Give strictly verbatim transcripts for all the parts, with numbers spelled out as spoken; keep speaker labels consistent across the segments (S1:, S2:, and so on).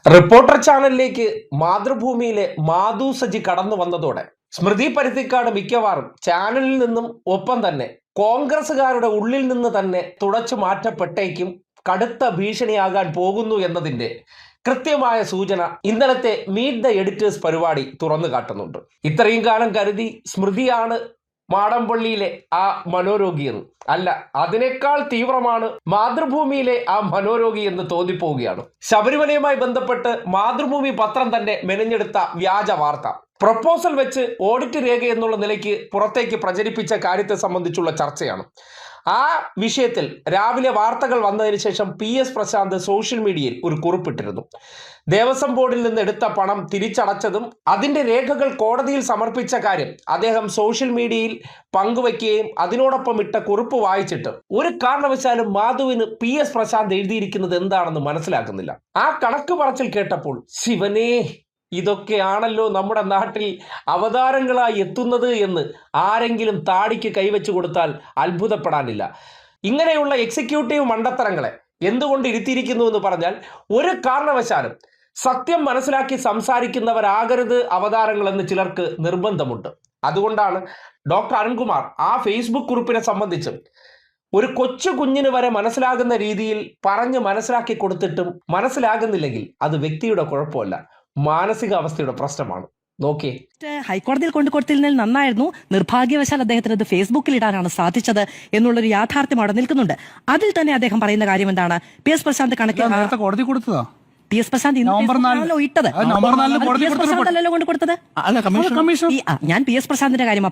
S1: Reporter ചാനലിലേക്ക് മാതൃഭൂമിയിലെ മാധു സജി കടന്നു വന്നതോടെ സ്മൃതി പരുത്തിക്കാട് മിക്കവാറും ചാനലിൽ നിന്നും ഒപ്പം തന്നെ കോൺഗ്രസുകാരുടെ ഉള്ളിൽ നിന്ന് തന്നെ തുടച്ചു മാറ്റപ്പെട്ടേക്കും, കടുത്ത ഭീഷണിയാകാൻ പോകുന്നു എന്നതിന്റെ കൃത്യമായ സൂചന ഇന്നലത്തെ മീറ്റ് ദ എഡിറ്റേഴ്സ് പരിപാടി തുറന്നു കാട്ടുന്നുണ്ട്. ഇത്രയും കാലം കരുതി സ്മൃതിയാണ് മാടമ്പള്ളിയിലെ ആ മനോരോഗി എന്ന്. അല്ല, അതിനേക്കാൾ തീവ്രമാണ് മാതൃഭൂമിയിലെ ആ മനോരോഗി എന്ന് തോന്നിപ്പോവുകയാണ്. ശബരിമലയുമായി ബന്ധപ്പെട്ട് മാതൃഭൂമി പത്രം തന്നെ മെനഞ്ഞെടുത്ത വ്യാജ വാർത്ത, പ്രപ്പോസൽ വെച്ച് ഓഡിറ്റ് രേഖ എന്നുള്ള നിലയ്ക്ക് പുറത്തേക്ക് പ്രചരിപ്പിച്ച കാര്യത്തെ സംബന്ധിച്ചുള്ള ചർച്ചയാണ്. ആ വിഷയത്തിൽ രാവിലെ വാർത്തകൾ വന്നതിന് ശേഷം പി എസ് പ്രശാന്ത് സോഷ്യൽ മീഡിയയിൽ ഒരു കുറിപ്പിട്ടിരുന്നു. ദേവസ്വം ബോർഡിൽ നിന്ന് എടുത്ത പണം തിരിച്ചടച്ചതും അതിൻ്റെ രേഖകൾ കോടതിയിൽ സമർപ്പിച്ച കാര്യം അദ്ദേഹം സോഷ്യൽ മീഡിയയിൽ പങ്കുവയ്ക്കുകയും അതിനോടൊപ്പം ഇട്ട കുറിപ്പ് വായിച്ചിട്ട് ഒരു കാരണവശാലും മാധുവിന് പി എസ് പ്രശാന്ത് എഴുതിയിരിക്കുന്നത് എന്താണെന്ന് മനസ്സിലാക്കുന്നില്ല. ആ കണക്ക് പറച്ചിൽ കേട്ടപ്പോൾ ശിവനേ, ഇതൊക്കെയാണല്ലോ നമ്മുടെ നാട്ടിൽ അവതാരങ്ങളായി എത്തുന്നത് എന്ന് ആരെങ്കിലും താടിക്ക് കൈവച്ചു കൊടുത്താൽ അത്ഭുതപ്പെടാനില്ല. ഇങ്ങനെയുള്ള എക്സിക്യൂട്ടീവ് മണ്ടത്തരങ്ങളെ എന്തുകൊണ്ട് ഇരുത്തിയിരിക്കുന്നു എന്ന് പറഞ്ഞാൽ, ഒരു കാരണവശാലും സത്യം മനസ്സിലാക്കി സംസാരിക്കുന്നവരാകരുത് അവതാരങ്ങളെന്ന് ചിലർക്ക് നിർബന്ധമുണ്ട്. അതുകൊണ്ടാണ് ഡോക്ടർ അരുൺകുമാർ ആ ഫേസ്ബുക്ക് കുറിപ്പിനെ സംബന്ധിച്ച് ഒരു കൊച്ചു കുഞ്ഞിന് വരെ മനസ്സിലാകുന്ന രീതിയിൽ പറഞ്ഞ് മനസ്സിലാക്കി കൊടുത്തിട്ടും മനസ്സിലാകുന്നില്ലെങ്കിൽ അത് വ്യക്തിയുടെ കുഴപ്പമല്ല, മാനസികാവസ്ഥയുടെ പ്രശ്നമാണ്. നോക്കിയേ,
S2: ഹൈക്കോടതിയിൽ കൊണ്ടു കൊടുത്തിരുന്നതിൽ നന്നായിരുന്നു. നിർഭാഗ്യവശാൽ അദ്ദേഹത്തിന് അത് ഫേസ്ബുക്കിൽ ഇടാനാണ് സാധിച്ചത് എന്നുള്ളൊരു യാഥാർത്ഥ്യം അവിടെ നിൽക്കുന്നുണ്ട്. അതിൽ തന്നെ അദ്ദേഹം പറയുന്ന കാര്യം എന്താണ്? പി എസ് പ്രശാന്ത് കണക്കിൽ
S3: കോടതി കൊടുത്തതാ
S2: പി എസ് പ്രശാന്ത് ഇട്ടത് അല്ലല്ലോ കൊണ്ട് കൊടുത്തത്. ഞാൻ പി എസ് പ്രശാന്തിന്റെ കാര്യമാണ്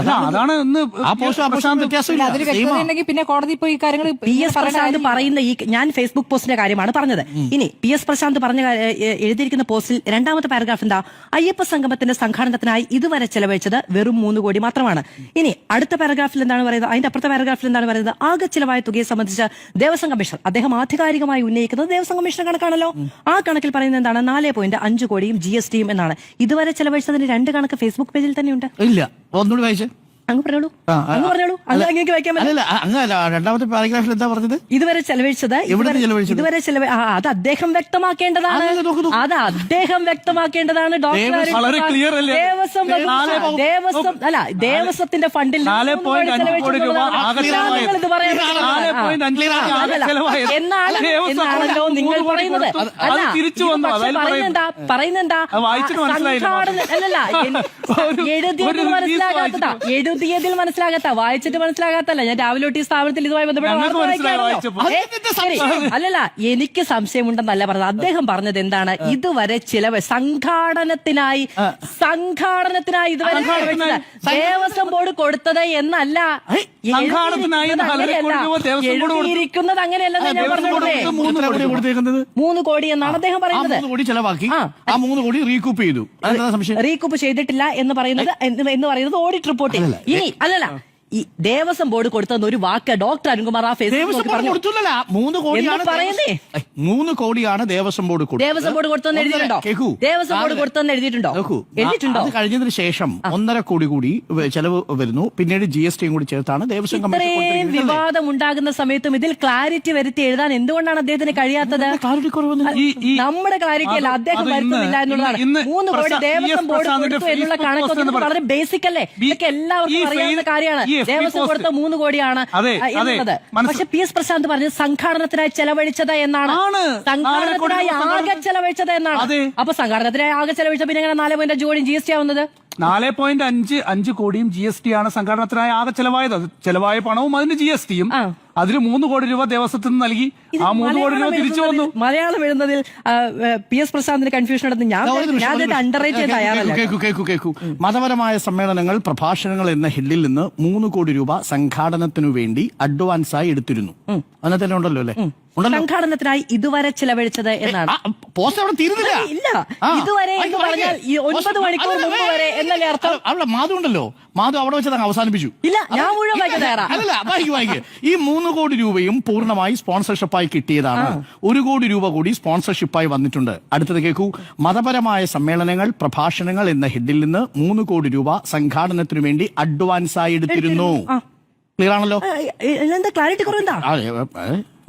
S4: പിന്നെ കോടതി പോയി കാര്യങ്ങൾ
S2: പി എസ് പ്രശാന്ത് പറയുന്ന ഈ ഞാൻ ഫേസ്ബുക്ക് പോസ്റ്റിന്റെ കാര്യമാണ് പറഞ്ഞത്. ഇനി പി എസ് പ്രശാന്ത് പറഞ്ഞ എഴുതിയിരിക്കുന്ന പോസ്റ്റിൽ രണ്ടാമത്തെ പാരഗ്രാഫ് എന്താ? അയ്യപ്പ സംഗമത്തിന്റെ സംഘാടനത്തിനായി ഇതുവരെ ചെലവഴിച്ചത് വെറും മൂന്ന് കോടി മാത്രമാണ്. ഇനി അടുത്ത പാരഗ്രാഫിൽ എന്താണ് പറയുന്നത്? അതിന്റെ അപ്പുറത്തെ പാരഗ്രാഫിൽ എന്താണ് പറയുന്നത്? ആകെ ചിലവായ തുകയെ സംബന്ധിച്ച് ദേവസ്വം കമ്മീഷണർ അദ്ദേഹം ആധികാരികമായി ഉന്നയിക്കുന്നത് ദേവസ്വം കമ്മീഷണർ കണക്കാണല്ലോ. ആ കണക്കിൽ പറയുന്നത് എന്താണ്? നാല് പോയിന്റ് അഞ്ച് കോടിയും ജി എസ് ടിയും എന്നാണ്. ഇതുവരെ ചെലവഴിച്ചതിന് രണ്ട് കണക്ക് ഫേസ്ബുക്ക് പേജിൽ തന്നെയുണ്ട്.
S3: ഇല്ല, ഒന്നുകൂടി വായിച്ചേ.
S2: അങ്ങ് പറഞ്ഞോളൂ, അങ്ങ് പറഞ്ഞോളൂ. അങ്ങേക്ക് വായിക്കാൻ
S3: രണ്ടാമത്തെ പാരഗ്രാഫിൽ എന്താ പറഞ്ഞത്?
S2: ഇതുവരെ ചെലവഴിച്ചത് ഇതുവരെ ചെലവ് അത് അദ്ദേഹം വ്യക്തമാക്കേണ്ടതാണ്. അത് അദ്ദേഹം വ്യക്തമാക്കേണ്ടതാണ്. ഡോക്ടർ ദേവസ്വം ദേവസ്വം അല്ല ദേവസ്വത്തിന്റെ ഫണ്ടിൽ എന്നാണ് എന്നാണല്ലോ നിങ്ങൾ പറയുന്നത്. പറയുന്നെന്താ പറയുന്നെന്താ അല്ലല്ല എഴുതിയത് മനസ്സിലാകാത്തതാ എഴുതിയതിൽ മനസ്സിലാകാത്ത വായിച്ചിട്ട് മനസ്സിലാകാത്തല്ല. ഞാൻ രാവിലെ തൊട്ട് ഈ സ്ഥാപനത്തിൽ ഇതുമായി ബന്ധപ്പെട്ട് അല്ലല്ല എനിക്ക് സംശയമുണ്ടെന്നല്ല പറഞ്ഞത്. അദ്ദേഹം പറഞ്ഞത് എന്താണ്? ഇതുവരെ ചിലവ് സംഘാടനത്തിനായി സംഘാടനത്തിനായി ഇതുവരെ ദേവസ്വം ബോർഡ് കൊടുത്തത് എന്നല്ല എഴുതിയിരിക്കുന്നത്. അങ്ങനെയല്ലെന്ന് ഞാൻ പറഞ്ഞോളേ. മൂന്ന് കോടി എന്നാണ് അദ്ദേഹം പറയുന്നത്. റീകൂപ്പ് ചെയ്തിട്ടില്ല എന്ന് പറയുന്നത് എന്ന് പറയുന്നത് ഓഡിറ്റ് റിപ്പോർട്ടിൽ. ഇനി അല്ലല്ല ഈ ദേവസ്വം ബോർഡ് കൊടുത്തെന്ന് ഒരു വാക്ക് ഡോക്ടർ അരുൺകുമാർ ആ ഫേസ്ബുക്കിൽ പറഞ്ഞു.
S3: മൂന്ന് കോടിയാണ്
S2: പറയുന്നേ
S3: മൂന്ന് കോടിയാണ് ദേവസ്വം ബോർഡ്
S2: ദേവസ്വം ബോർഡ് കൊടുത്തെന്ന് എഴുതിയിട്ടുണ്ടോ? ദേവസ്വം ബോർഡ് കൊടുത്തെന്ന് എഴുതിയിട്ടുണ്ടോ? എഴുതിയിട്ടുണ്ടോ?
S3: അത് കഴിഞ്ഞതിന് ശേഷം ഒന്നര കോടി കൂടി ചെലവ് വരുന്നു. പിന്നീട് ജി എസ് ടിയും കൂടി ചേർത്താണ് ദേവസ്വം കമ്മീഷൻ.
S2: വിവാദം ഉണ്ടാകുന്ന സമയത്തും ഇതിൽ ക്ലാരിറ്റി വരുത്തി എഴുതാൻ എന്തുകൊണ്ടാണ് അദ്ദേഹത്തിന് കഴിയാത്തത്? നമ്മുടെ ക്ലാരിറ്റി അല്ല, അദ്ദേഹം വരുത്തുന്നില്ല എന്നുള്ളതാണ്. മൂന്ന് കോടി ദേവസ്വം ബോർഡ് കൊടുത്തു എന്നുള്ള കണക്കൊക്കെ വളരെ ബേസിക് അല്ലേ? ഇതൊക്കെ എല്ലാവർക്കും അറിയാവുന്ന കാര്യമാണ്. ദേവസ്വം കൊടുത്ത മൂന്ന് കോടിയാണ് എന്നുള്ളത്. പക്ഷെ പി എസ് പ്രശാന്ത് പറഞ്ഞത് സംഘാടനത്തിനായി ചെലവഴിച്ചത് എന്നാണ്. സംഘാടനത്തിനായി ആകെ ചെലവഴിച്ചത് എന്നാണ്. അപ്പൊ സംഘാടനത്തിനായി ആകെ ചെലവഴിച്ച പിന്നെ എങ്ങനെ നാല് പോയിന്റ് അഞ്ച് കോടിയും ജി എസ് ടി ആവുന്നത്?
S3: നാല് പോയിന്റ് അഞ്ച് അഞ്ച് കോടിയും ജി എസ് ടി ആണ് സംഘടനത്തിനായി ആകെ ചെലവായത്. ചെലവായ പണവും അതിന് ജി എസ് ടിയും. അതിൽ മൂന്ന് കോടി രൂപ ദേവസ്വത്തിൽ നിന്ന് നൽകി. ആ മൂന്ന് കോടി രൂപ തിരിച്ചു വന്നു.
S2: മലയാളം എഴുതുന്നതിൽ പി എസ് പ്രശാന്തിന് കൺഫ്യൂഷൻ ഉണ്ടെന്ന് ഞാൻ അണ്ടർറേറ്റ് ചെയ്യാൻ തയ്യാറല്ല.
S3: കേക്കു കേക്കു കേക്കു മതപരമായ സമ്മേളനങ്ങൾ, പ്രഭാഷണങ്ങൾ എന്ന ഹെഡിൽ നിന്ന് മൂന്ന് കോടി രൂപ സംഘാടനത്തിനു വേണ്ടി അഡ്വാൻസായി എടുത്തിരുന്നു. അതിനകത്ത് തന്നെ ഉണ്ടല്ലോ അല്ലേ?
S2: സംഘാടനത്തിനായി ഇതുവരെ ചെലവഴിച്ചത് എന്നാണ്.
S3: പോസ്റ്റ് അവിടെ തീരുന്നില്ല.
S2: ഇല്ല, ഇതുവരെ എന്ന് പറഞ്ഞാൽ ഒൻപത് മണിക്കൂർ മുമ്പ് വരെ എന്നല്ലേ അർത്ഥം?
S3: അവിടെ മാധു ഉണ്ടല്ലോ, മാധു അവിടെ വെച്ചത് അവസാനിപ്പിച്ചു.
S2: ഇല്ല, ഞാൻ മുഴുവൻ വായിക്കാൻ തയ്യാറാണ്.
S3: അല്ല, വായിക്കും വായിക്കും. ഈ മൂന്ന് കോടി രൂപയും പൂർണ്ണമായി സ്പോൺസർഷിപ്പായി കിട്ടിയതാണ്. ഒരു കോടി രൂപ കൂടി സ്പോൺസർഷിപ്പായി വന്നിട്ടുണ്ട്. അടുത്തത് കേൾക്കൂ. മതപരമായ സമ്മേളനങ്ങൾ, പ്രഭാഷണങ്ങൾ എന്ന ഹെഡിൽ നിന്ന് മൂന്ന് കോടി രൂപ സംഘാടനത്തിനു വേണ്ടി അഡ്വാൻസായി എടുത്തിരുന്നു. ക്ലിയർ ആണല്ലോ?
S2: എന്താ ക്ലാരിറ്റി കുറവെന്താ?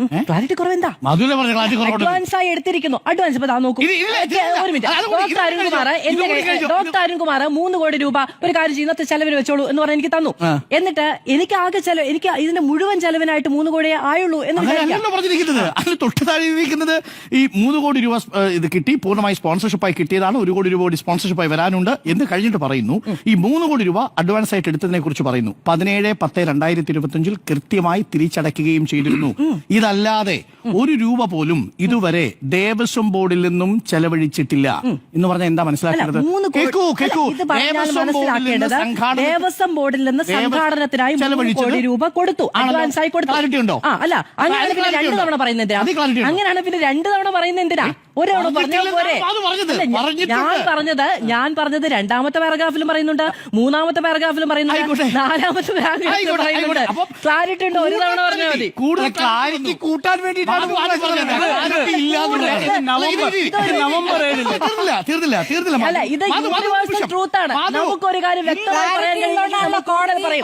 S2: ക്ലാരിറ്റി കുറവ് എന്താ?
S3: മധുര പറഞ്ഞ ക്ലാരിറ്റി കുറവുണ്ട്.
S2: അഡ്വാൻസ് ആയി എടുത്തിരിക്കുന്നു. അഡ്വാൻസ് ഇപ്പൊ നോക്കൂ,
S3: ഇത് ഇല്ല, ഇത് ഇല്ല.
S2: ഒരു മിനിറ്റ്.
S3: അത് കൂടി,
S2: ഡോക്ടർ അരുൺകുമാർ എന്റെ
S3: ഇത് കൂടി
S2: ഡോക്ടർ അരുൺകുമാർ മൂന്ന് കോടി രൂപ ഒരു കാര്യം ചെയ്യുന്ന ചെലവിന് വെച്ചോളൂ എന്ന് പറഞ്ഞ് എനിക്ക് തന്നു. എന്നിട്ട് എനിക്ക് ആകെ ചെലവ്, എനിക്ക് ഇതിന്റെ മുഴുവൻ ചെലവിനായിട്ട് മൂന്ന് കോടിയേ ആയുള്ളൂ എന്ന്
S3: അങ്ങനെയല്ലല്ലോ പറഞ്ഞിരിക്കുന്നത്. അതിന് തൊട്ട് താഴെ ഇരിക്കുന്നത് ഈ മൂന്ന് കോടി രൂപ ഏഹ്, ഇത് കിട്ടി, പൂർണ്ണമായി സ്പോൺസർഷിപ്പായി കിട്ടിയതാണ്. ഒരു കോടി രൂപ കൂടി സ്പോൺസർഷിപ്പായി വരാനുണ്ട് എന്ന് കഴിഞ്ഞിട്ട് പറയുന്നു. ഈ മൂന്ന് കോടി രൂപ അഡ്വാൻസ് ആയിട്ട് എടുത്തതിനെ കുറിച്ച് പറയുന്നു. പതിനേഴ് പത്ത് രണ്ടായിരത്തി ഇരുപത്തി അഞ്ചിൽ കൃത്യമായി തിരിച്ചടയ്ക്കുകയും ചെയ്തിരുന്നു. ഇതല്ലാതെ ഒരു രൂപ പോലും ഇതുവരെ ദേവസ്വം ബോർഡിൽ നിന്നും ചെലവഴിച്ചിട്ടില്ല എന്ന് പറഞ്ഞാൽ എന്താ മനസ്സിലാക്കുന്നത്? കേക്കൂ കേക്കൂ ദേവസ്വം ബോർഡിൽ നിന്ന് സംഘാടന
S2: ദേവസ്വം ബോർഡിൽ നിന്ന് സംഘാടനത്തിനായി മൂന്ന് കോടി രൂപ കൊടുത്തു, അഡ്വാൻസ് ആയി കൊടുത്തു.
S3: ക്ലാരിറ്റി ഉണ്ടോ?
S2: ആ അല്ല, അങ്ങനെയാണ് പിന്നെ രണ്ട് തവണ പറയുന്നത് എന്തിനാ? അങ്ങനെയാണ് പിന്നെ രണ്ട് തവണ പറയുന്നത് എന്തിനാ? ഒരാള് പറഞ്ഞാൽ പോരെ? ഞാൻ പറഞ്ഞത് ഞാൻ പറഞ്ഞത് രണ്ടാമത്തെ പാരഗ്രാഫിലും പറയുന്നുണ്ട്, മൂന്നാമത്തെ പാരഗ്രാഫിലും പറയുന്നുണ്ട്, നാലാമത്തെ പാരഗ്രാഫിലും പറയുന്നുണ്ട്. ക്ലാരിറ്റി ഉണ്ടോ? ഒരു തവണ പറഞ്ഞാൽ മതി.
S3: കൂടുതൽ ക്ലാരിറ്റി കൂട്ടാൻ വേണ്ടിയിട്ടാണ് തീർന്നില്ല തീർന്നില്ല.
S2: അല്ല, ഇത് യൂണിവേഴ്സൽ ട്രൂത്ത് ആണ്. നമുക്കൊരു കാര്യം വ്യക്തമായി പറയാൻ കഴിയില്ല, കോടതി പറയും.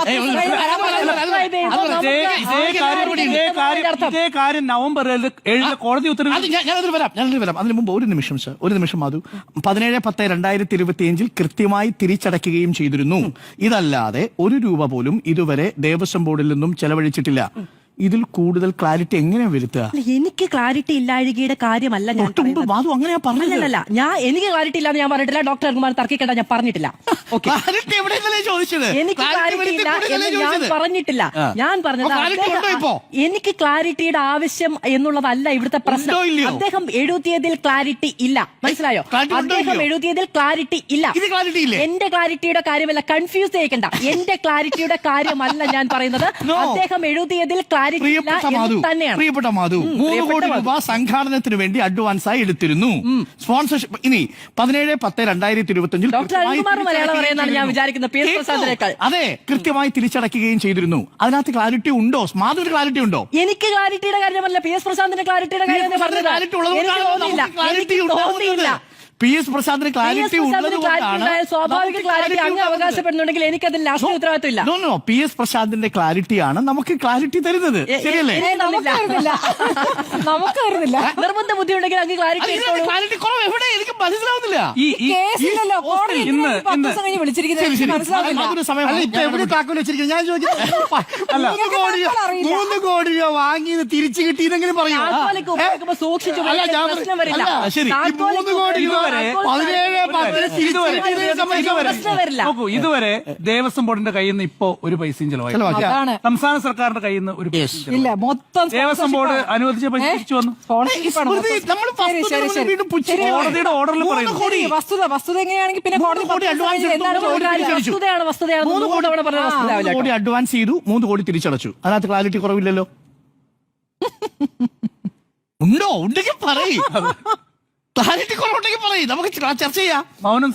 S5: ഇതേ കാര്യം നവംബർ ഏഴിന് കോടതി ഉത്തരവ്.
S3: ഞാനതിൽ വരാം ഞാനതിൽ വരാം അതിന് മുമ്പ് ഒരു നിമിഷം സർ, ഒരു നിമിഷം മാധു. പതിനേഴ് പത്ത് രണ്ടായിരത്തി ഇരുപത്തി അഞ്ചിൽ കൃത്യമായി തിരിച്ചടയ്ക്കുകയും ചെയ്തിരുന്നു. ഇതല്ലാതെ ഒരു രൂപ പോലും ഇതുവരെ ദേവസ്വം ബോർഡിൽ നിന്നും ചെലവഴിച്ചിട്ടില്ല. ഇതിൽ കൂടുതൽ ക്ലാരിറ്റി എങ്ങനെ വരുത്തുക?
S2: എനിക്ക് ക്ലാരിറ്റി ഇല്ലാഴികയുടെ കാര്യമല്ല ഞാൻ പറയുന്നത്.
S3: മാധു അങ്ങനെയാ പറഞ്ഞല്ല.
S2: ഞാൻ എനിക്ക് ക്ലാരിറ്റി ഇല്ലാന്ന് ഞാൻ പറഞ്ഞിട്ടില്ല. ഡോക്ടർ കുമാർ തർക്കിക്കേണ്ട, ഞാൻ പറഞ്ഞിട്ടില്ല. എനിക്ക് ക്ലാരിറ്റി ഇല്ല എന്ന് ഞാൻ പറഞ്ഞിട്ടില്ല. ഞാൻ പറഞ്ഞത് എനിക്ക് ക്ലാരിറ്റിയുടെ ആവശ്യം എന്നുള്ളതല്ല ഇവിടുത്തെ പ്രശ്നം. അദ്ദേഹം എഴുതിയതിൽ ക്ലാരിറ്റി ഇല്ല, മനസ്സിലായോ? അദ്ദേഹം എഴുതിയതിൽ ക്ലാരിറ്റി ഇല്ല. എന്റെ ക്ലാരിറ്റിയുടെ കാര്യമല്ല, കൺഫ്യൂസ് ചെയ്യിക്കണ്ട. എന്റെ ക്ലാരിറ്റിയുടെ കാര്യമല്ല ഞാൻ പറയുന്നത്. അദ്ദേഹം എഴുതിയതിൽ
S3: പ്രിയപ്പെട്ട മാധു, മൂന്ന് കോടി രൂപ സംഘാടനത്തിന് വേണ്ടി അഡ്വാൻസ് ആയി എടുത്തിരുന്നു. സ്പോൺസർഷിപ്പ് ഇനി പതിനേഴ് പത്ത് രണ്ടായിരത്തി ഇരുപത്തി അഞ്ചിൽ അതെ കൃത്യമായി തിരിച്ചടയ്ക്കുകയും ചെയ്തിരുന്നു. അതിനകത്ത് ക്ലാരിറ്റി ഉണ്ടോ? മാധുവിന് ക്ലാരിറ്റി ഉണ്ടോ?
S2: എനിക്ക് ക്ലാരിറ്റിയുടെ കാര്യമല്ല, പി എസ് പ്രശാന്തിന്റെ ക്ലാരിറ്റിയുടെ കാര്യം തോന്നിയില്ല.
S3: പി എസ് പ്രസാദിന് ക്ലാരിറ്റി ഉള്ളതുകൊണ്ടാണ്
S2: സ്വാഭാവിക ക്ലാരിറ്റി അങ്ങ് അവകാശപ്പെടുന്നുണ്ടെങ്കിൽ എനിക്കതിൽ രാഷ്ട്രീയ ഉത്തരവാദിത്വമില്ല.
S3: നോ നോ പി എസ് പ്രസാദിന്റെ ക്ലാരിറ്റിയാണ് നമുക്ക് ക്ലാരിറ്റി തരുന്നത്, ശരിയല്ലേ?
S2: നമുക്ക് വരുന്നില്ല. നിർബന്ധ ബുദ്ധി ഉണ്ടെങ്കിൽ അങ്ങ് ക്ലാരിറ്റി
S3: ക്ലാരിറ്റി കുറവ് എവിടെ? എനിക്ക് മനസ്സിലാവുന്നില്ല. ഞാൻ ചോദിക്കുന്നത് മൂന്ന് കോടി രൂപ വാങ്ങിയത് തിരിച്ചു കിട്ടി ഇതെങ്കിലും പറയൂ.
S2: സൂക്ഷിച്ചു
S3: ശരി, മൂന്ന് കോടി രൂപ
S5: നോക്കൂ, ഇതുവരെ ദേവസ്വം ബോർഡിന്റെ കയ്യിൽ നിന്ന് ഇപ്പോ ഒരു പൈസയും ചെലവായി, സംസ്ഥാന സർക്കാരിന്റെ കയ്യിൽ നിന്ന് ഒരു
S4: ഇല്ല. മൊത്തം
S5: ദേവസ്വം ബോർഡ് അനുവദിച്ച പൈസ തിരിച്ചു വന്നു. കോടതിയുടെ ഓർഡറിൽ പറയുന്നു.
S4: വസ്തുത വസ്തുത എങ്ങനെയാണെങ്കിൽ പിന്നെ
S2: വസ്തുതയാണ് വസ്തുതയാണ്
S3: മൂന്ന് കോടി അഡ്വാൻസ് ചെയ്തു, മൂന്ന് കോടി തിരിച്ചടച്ചു. അതിനകത്ത് ക്ലാരിറ്റി കുറവില്ലല്ലോ. ഉണ്ടോ? ഉണ്ടെങ്കിൽ പറയും. ക്ലാരിറ്റി കുറവുണ്ടെങ്കിൽ പറയും, നമുക്ക് ചർച്ച ചെയ്യാം.
S5: മൗനം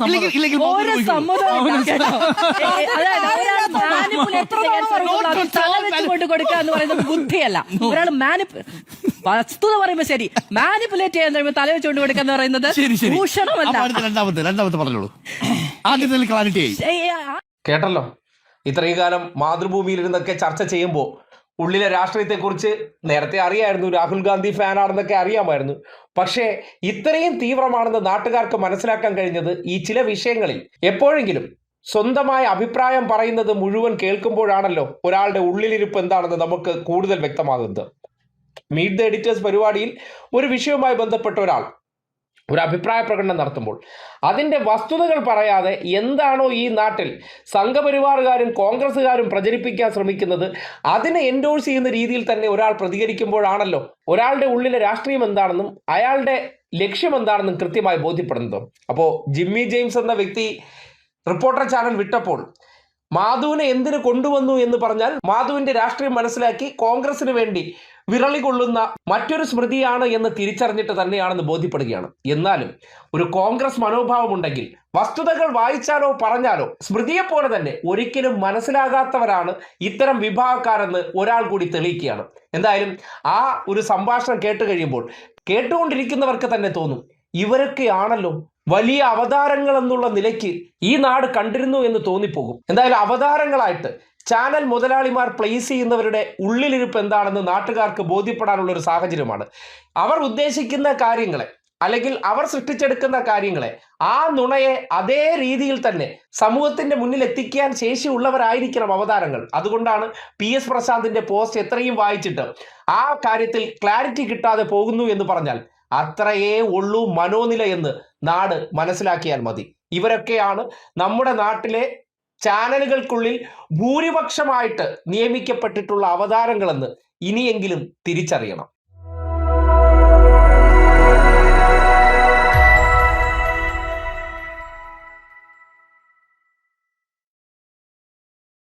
S2: കൊടുക്കുക എന്ന് പറയുന്നത് ബുദ്ധിയല്ല. ഒരാൾ വസ്തുത പറയുമ്പോ ശരി, മാനിപ്പുലേറ്റ് ചെയ്യാൻ കഴിയുമ്പോൾ തല വെച്ചുകൊണ്ട് കൊടുക്കുക എന്ന് പറയുന്നത് ഭൂഷണമല്ല.
S3: രണ്ടാമത്തെ രണ്ടാമത്തെ പറഞ്ഞോളൂ. ആദ്യത്തെ ക്ലാരിറ്റി
S1: കേട്ടല്ലോ. ഇത്രയും കാലം മാതൃഭൂമിയിലിരുന്നൊക്കെ ചർച്ച ചെയ്യുമ്പോൾ ഉള്ളിലെ രാഷ്ട്രീയത്തെക്കുറിച്ച് നേരത്തെ അറിയായിരുന്നു, രാഹുൽ ഗാന്ധി ഫാനാണെന്നൊക്കെ അറിയാമായിരുന്നു. പക്ഷേ ഇത്രയും തീവ്രമാണെന്ന് നാട്ടുകാർക്ക് മനസ്സിലാക്കാൻ കഴിഞ്ഞത് ഈ ചില വിഷയങ്ങളിൽ എപ്പോഴെങ്കിലും സ്വന്തമായ അഭിപ്രായം പറയുന്നത് മുഴുവൻ കേൾക്കുമ്പോഴാണല്ലോ ഒരാളുടെ ഉള്ളിലിരിപ്പ് എന്താണെന്ന് നമുക്ക് കൂടുതൽ വ്യക്തമാകുന്നത്. മീറ്റ് ദ എഡിറ്റേഴ്സ് പരിപാടിയിൽ ഒരു വിഷയവുമായി ബന്ധപ്പെട്ട ഒരാൾ ഒരു അഭിപ്രായ പ്രകടനം നടത്തുമ്പോൾ അതിൻ്റെ വസ്തുതകൾ പറയാതെ എന്താണോ ഈ നാട്ടിൽ സംഘപരിവാറുകാരും കോൺഗ്രസ്സുകാരും പ്രചരിപ്പിക്കാൻ ശ്രമിക്കുന്നത് അതിനെ എൻഡോഴ്സ് ചെയ്യുന്ന രീതിയിൽ തന്നെ ഒരാൾ പ്രതികരിക്കുമ്പോഴാണല്ലോ ഒരാളുടെ ഉള്ളിലെ രാഷ്ട്രീയം എന്താണെന്നും അയാളുടെ ലക്ഷ്യം എന്താണെന്നും കൃത്യമായി ബോധ്യപ്പെടുന്നതും. അപ്പോൾ ജിമ്മി ജെയിംസ് എന്ന വ്യക്തി റിപ്പോർട്ടർ ചാനൽ വിട്ടപ്പോൾ മാധുവിനെ എന്തിനു കൊണ്ടുവന്നു എന്ന് പറഞ്ഞാൽ മാധുവിൻ്റെ രാഷ്ട്രീയം മനസ്സിലാക്കി കോൺഗ്രസിന് വേണ്ടി വിരളി കൊള്ളുന്ന മറ്റൊരു സ്മൃതിയാണ് എന്ന് തിരിച്ചറിഞ്ഞിട്ട് തന്നെയാണെന്ന് ബോധ്യപ്പെടുകയാണ്. എന്നാലും ഒരു കോൺഗ്രസ് മനോഭാവമുണ്ടെങ്കിൽ വസ്തുതകൾ വായിച്ചാലോ പറഞ്ഞാലോ സ്മൃതിയെ പോലെ തന്നെ ഒരിക്കലും മനസ്സിലാകാത്തവരാണ് ഇത്തരം വിഭാഗക്കാരെന്ന് ഒരാൾ കൂടി തെളിയിക്കുകയാണ്. എന്തായാലും ആ ഒരു സംഭാഷണം കേട്ട് കഴിയുമ്പോൾ കേട്ടുകൊണ്ടിരിക്കുന്നവർക്ക് തന്നെ തോന്നും, ഇവരൊക്കെയാണല്ലോ വലിയ അവതാരങ്ങൾ എന്നുള്ള നിലയ്ക്ക് ഈ നാട് കണ്ടിരുന്നു എന്ന് തോന്നിപ്പോകും. എന്തായാലും അവതാരങ്ങളായിട്ട് ചാനൽ മുതലാളിമാർ പ്ലേസ് ചെയ്യുന്നവരുടെ ഉള്ളിലിരിപ്പ് എന്താണെന്ന് നാട്ടുകാർക്ക് ബോധ്യപ്പെടാനുള്ള ഒരു സാഹചര്യമാണ്. അവർ ഉദ്ദേശിക്കുന്ന കാര്യങ്ങളെ അല്ലെങ്കിൽ അവർ സൃഷ്ടിച്ചെടുക്കുന്ന കാര്യങ്ങളെ, ആ നുണയെ അതേ രീതിയിൽ തന്നെ സമൂഹത്തിന്റെ മുന്നിൽ എത്തിക്കാൻ ശേഷിയുള്ളവരായിരിക്കണം അവതാരങ്ങൾ. അതുകൊണ്ടാണ് പി എസ് പ്രശാന്തിന്റെ പോസ്റ്റ് എത്രയും വായിച്ചിട്ട് ആ കാര്യത്തിൽ ക്ലാരിറ്റി കിട്ടാതെ പോകുന്നു എന്ന് പറഞ്ഞാൽ അത്രയേ ഉള്ളൂ മനോനില എന്ന് നാട് മനസ്സിലാക്കിയാൽ മതി. ഇവരൊക്കെയാണ് നമ്മുടെ നാട്ടിലെ ചാനലുകൾക്കുള്ളിൽ ഭൂരിപക്ഷമായിട്ട് നിയമിക്കപ്പെട്ടിട്ടുള്ള അവതാരങ്ങളെന്ന് ഇനിയെങ്കിലും തിരിച്ചറിയണം.